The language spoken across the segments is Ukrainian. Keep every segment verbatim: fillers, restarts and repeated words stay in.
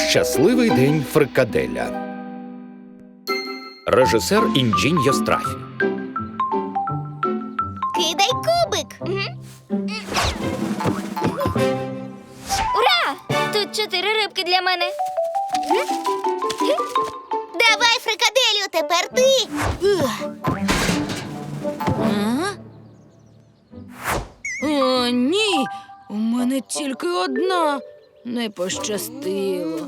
Щасливий день фрикаделя. Режисер Інджінь Йострафі. Кидай кубик. Ура! Тут чотири рибки для мене. Давай, фрикаделю, тепер ти. О, ні, у мене тільки одна. Не пощастило.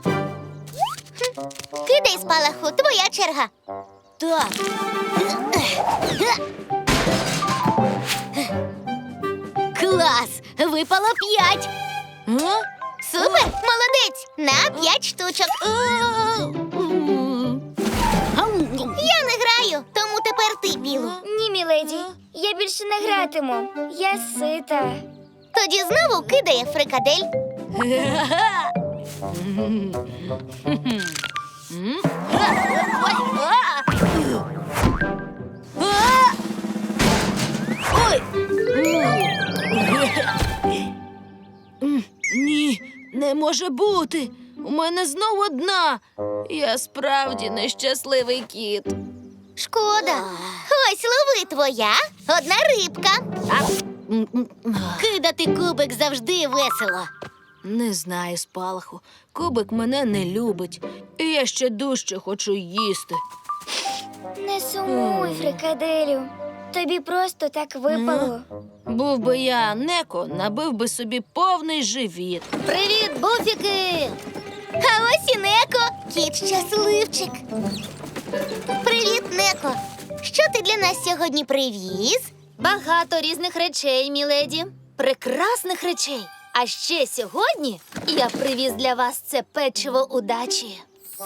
Кидай спалаху, твоя черга. Так. Клас! Випало п'ять. А? Супер! Молодець! На п'ять штучок. Я не граю, тому тепер ти, Білу. Ні, міледі, я більше не гратиму. Я сита. Тоді знову кидає фрикадель. Ой! Ні, не може бути. У мене знов одна. Я справді нещасливий кіт. Шкода. Ось лови твоя, одна рибка. Кидати кубик завжди весело. Не знаю, спалаху. Кубик мене не любить. І я ще дужче хочу їсти. Не сумуй, фрикаделю. Тобі просто так випало. Був би я Неко, набив би собі повний живіт. Привіт, буфіки! А ось і Неко, кіт щасливчик. Привіт, Неко. Що ти для нас сьогодні привіз? Багато різних речей, міледі. Прекрасних речей. А ще сьогодні я привіз для вас це печиво удачі.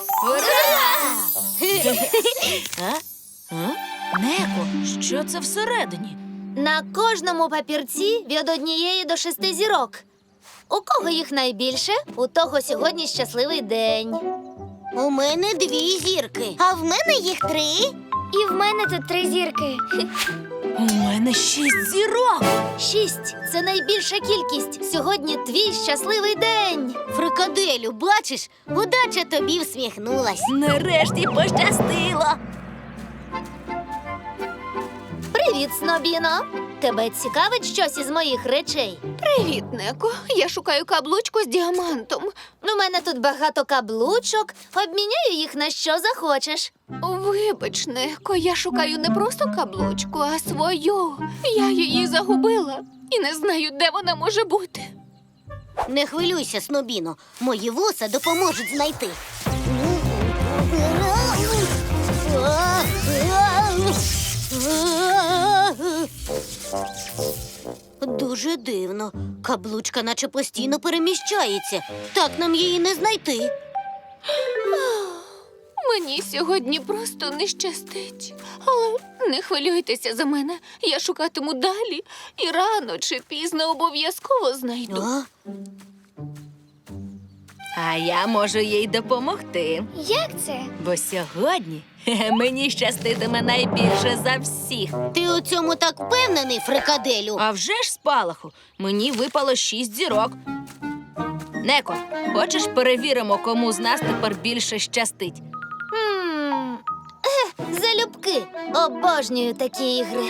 А? А? Неко, що це всередині? На кожному папірці від однієї до шести зірок. У кого їх найбільше, у того сьогодні щасливий день. У мене дві зірки, а в мене їх три. І в мене тут три зірки. У мене шість зірок. Шість – це найбільша кількість. Сьогодні твій щасливий день. Фрикаделю, бачиш, удача тобі всміхнулась. Нарешті пощастило. Привіт, Снобіно. Тебе цікавить щось із моїх речей? Привіт, Неко. Я шукаю каблучку з діамантом. У мене тут багато каблучок. Обміняю їх на що захочеш. Вибач, Неко, я шукаю не просто каблучку, а свою. Я її загубила і не знаю, де вона може бути. Не хвилюйся, Снобіно, мої вуса допоможуть знайти. Дуже дивно. Каблучка наче постійно переміщається. Так нам її не знайти. Мені сьогодні просто не щастить. Але не хвилюйтеся за мене. Я шукатиму далі і рано чи пізно обов'язково знайду. А? А я можу їй допомогти. Як це? Бо сьогодні хе-хе, мені щаститиме найбільше за всіх. Ти у цьому так впевнений, фрикаделю? А вже ж, спалаху, мені випало шість зірок. Неко, хочеш перевіримо, кому з нас тепер більше щастить? Хм, ех, залюбки. Обожнюю такі ігри.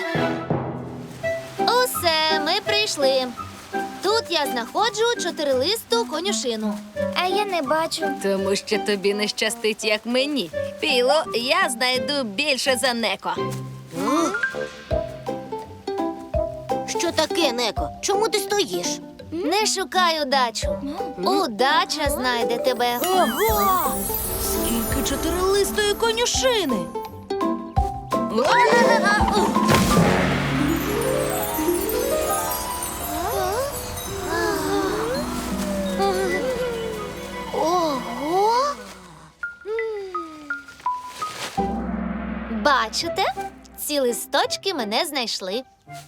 Усе, ми прийшли. Тут я знаходжу чотирилисту конюшину. А я не бачу. Тому що тобі не щастить, як мені. Піло, я знайду більше за Неко. Що таке, Неко? Чому ти стоїш? Не шукай удачу. Удача знайде тебе. Ого! Скільки чотирилистої конюшини! Ого! Бачите? Ці листочки мене знайшли.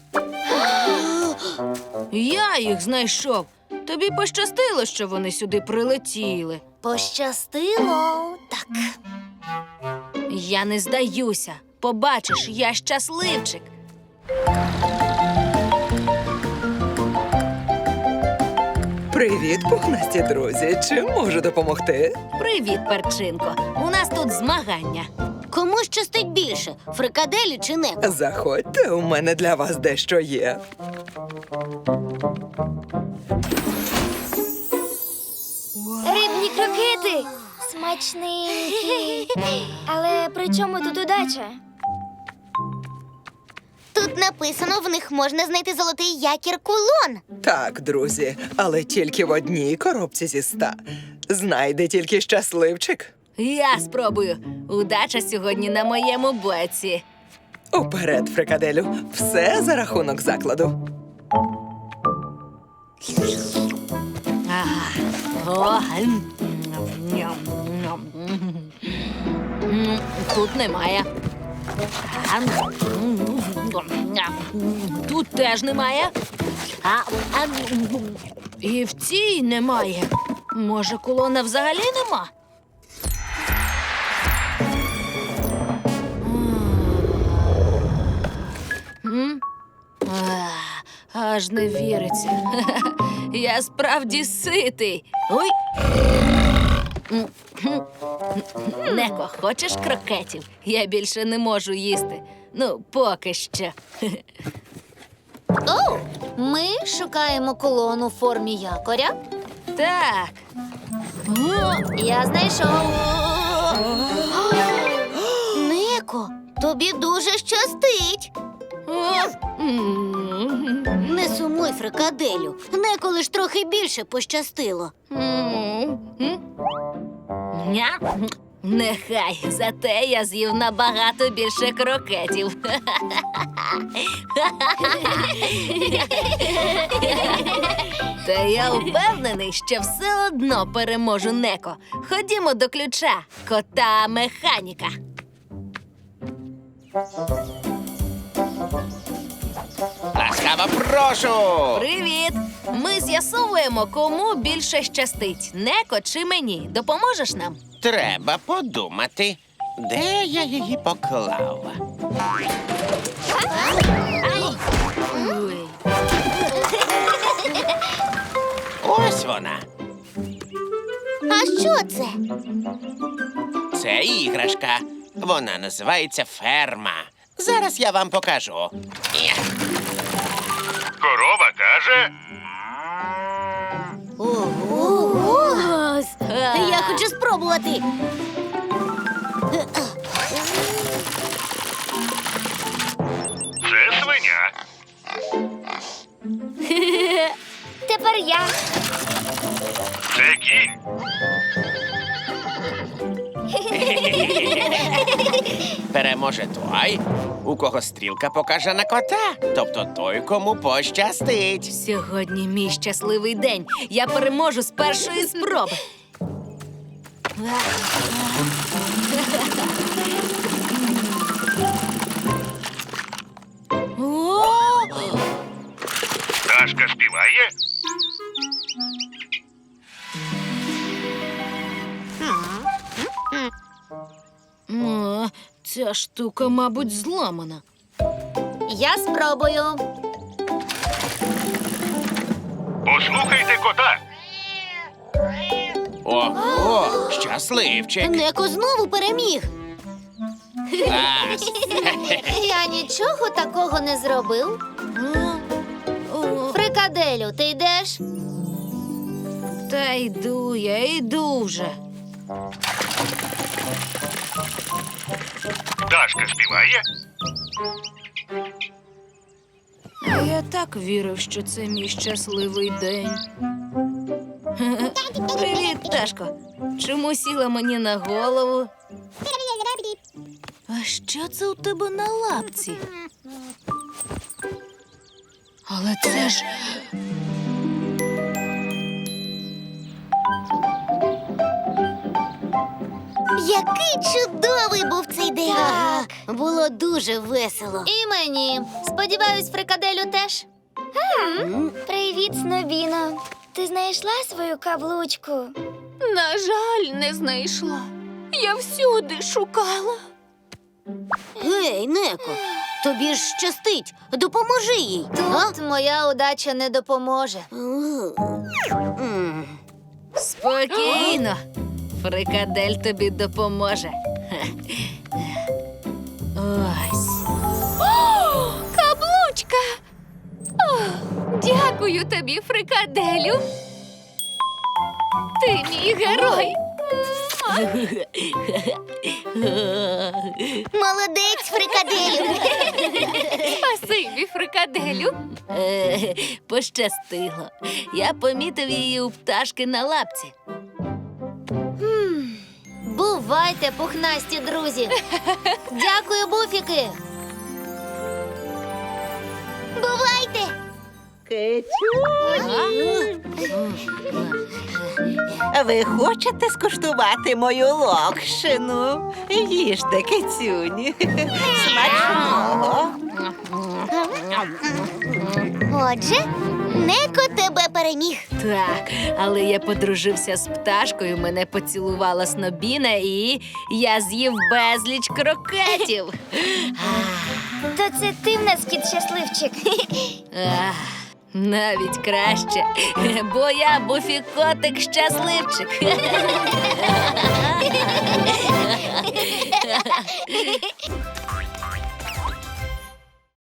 Я їх знайшов. Тобі пощастило, що вони сюди прилетіли. Пощастило. Так. Я не здаюся. Побачиш, я щасливчик. Привіт, пухнасті друзі. Чим можу допомогти? Привіт, перчинко. У нас тут змагання. Кому щастить більше? Фрикаделі чи Неко? Заходьте, у мене для вас дещо є. Рибні крокети! Смачненькі! Але при чому тут удача? Тут написано, в них можна знайти золотий якір кулон. Так, друзі, але тільки в одній коробці зі ста. Знайде тільки щасливчик. Я спробую. Удача сьогодні на моєму боці. Уперед, фрикаделю. Все за рахунок закладу. А, о, м, ням, ням. М, Тут немає. А, м, ням. Тут теж немає. А, а, і в цій немає. Може, кулона взагалі нема? М? А, Аж не віриться. Я справді ситий. Ой. М, хм. Неко, хочеш крокетів? Я більше не можу їсти. Ну, поки що. Оу, ми шукаємо колону у формі якоря. Так. О, Я знайшов. Неко, тобі дуже щастить. о, м, Не сумуй, фрикаделю. Неко лиш трохи більше пощастило. м, м. Ня. Нехай, зате я з'їв набагато більше крокетів. Та я впевнений, що все одно переможу Неко. Ходімо до ключа, кота механіка. Ласкаво прошу! Привіт! Ми з'ясовуємо, кому більше щастить, Неко чи мені. Допоможеш нам? Треба подумати, де я її поклав. Ой. Ось вона. А що це? Це іграшка. Вона називається ферма. Зараз я вам покажу. Є. Корова каже, Ого! Я хочу спробувати. це свиня. Тепер я. Це кінь. Переможе той, у кого стрілка покаже на кота. Тобто той, кому пощастить. Сьогодні мій щасливий день. Я переможу з першої спроби. О! Пташка співає. О, ця штука, мабуть, зламана. Я спробую. Послухайте кота. Ого, щасливчик. Неко знову переміг. Клас. Я нічого такого не зробив. О, о, Фрикаделю, ти йдеш? та йду, я йду вже. Пташка співає. А я так вірив, що це мій щасливий день. Привіт, пташко. Чому сіла мені на голову? А що це у тебе на лапці? Але це ж. Який чудовий був цей день. Так. Було дуже весело. І мені. Сподіваюсь, фрикаделю теж. Привіт, Снобіно. Ти знайшла свою каблучку? На жаль, не знайшла. Я всюди шукала. Гей, Неко, Тобі ж щастить. Допоможи їй. Тут моя удача не допоможе. Спокійно. Фрикадель тобі допоможе. Ось. Каблучка! О, дякую тобі, фрикаделю. Ти мій герой. Молодець, фрикаделю. Спасибі, фрикаделю. Е, Пощастило. Я помітив її у пташки на лапці. Бувайте, пухнасті друзі. Дякую, буфіки. Бувайте. Ви хочете скуштувати мою локшину? Їжте, кицюні. Смачного. Отже, Неко тебе переміг. Так, але я подружився з пташкою, мене поцілувала Снобіна і я з'їв безліч крокетів. То це ти в нас кіт щасливчик. Ах, навіть краще, бо я буфікотик щасливчик.